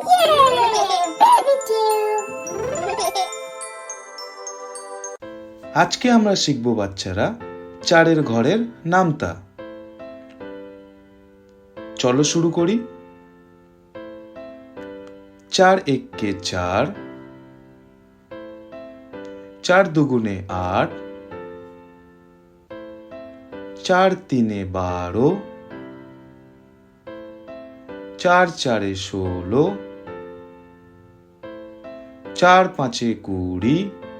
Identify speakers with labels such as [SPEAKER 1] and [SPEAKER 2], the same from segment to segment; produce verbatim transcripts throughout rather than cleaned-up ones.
[SPEAKER 1] আজকে আমরা শিখব বাচ্চারা চারের ঘরের নামতা। চলো শুরু করি। চার একে চার, চার দুগুণে আট, চার তিনে বারো, চার চারে ষোলো, চার পাঁচে কুড়ি,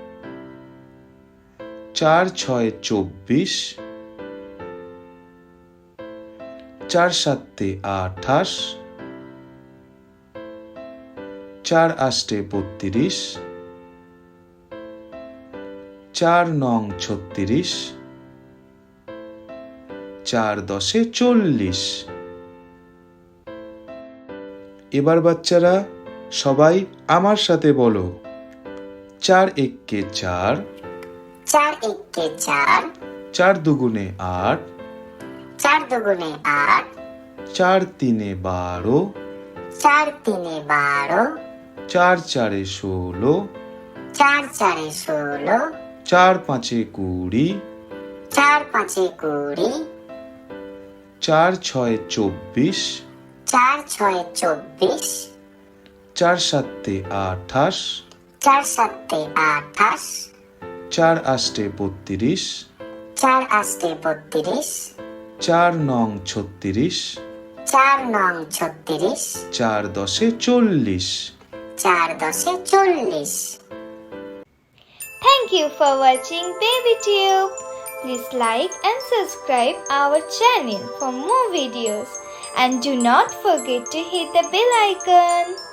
[SPEAKER 1] চার ছয় চব্বিশ, চার সাতে আঠাশ, চার আষ্টে বত্রিশ, চার নং ছত্রিশ, চার দশে চল্লিশ। এবার বাচ্চারা সবাই আমার সাথে বলো, চার একে চার,
[SPEAKER 2] চার একে চার,
[SPEAKER 1] চার দুগুণে আট,
[SPEAKER 2] চার দুগুণে আট,
[SPEAKER 1] চার তিনে বারো,
[SPEAKER 2] চার তিনে বারো,
[SPEAKER 1] চার চারে ষোলো,
[SPEAKER 2] চার চারে ষোলো,
[SPEAKER 1] চার পাঁচে কুড়ি,
[SPEAKER 2] চার পাঁচে কুড়ি,
[SPEAKER 1] চার ছয় চব্বিশ,
[SPEAKER 2] চার ছয় চব্বিশ,
[SPEAKER 1] চার সাতে আঠাশ,
[SPEAKER 2] চার সাতে আঠাশ,
[SPEAKER 1] চার আষ্টে বত্রিশ,
[SPEAKER 2] চার আষ্টে বত্রিশ,
[SPEAKER 1] চার নং ছত্রিশ,
[SPEAKER 2] চার নং ছত্রিশ,
[SPEAKER 1] চার দশে চল্লিশ।
[SPEAKER 2] চার দশে চল্লিশ।
[SPEAKER 3] Thank you for watching BabyTube. Please like and subscribe our channel for more videos and do not forget to hit the bell icon.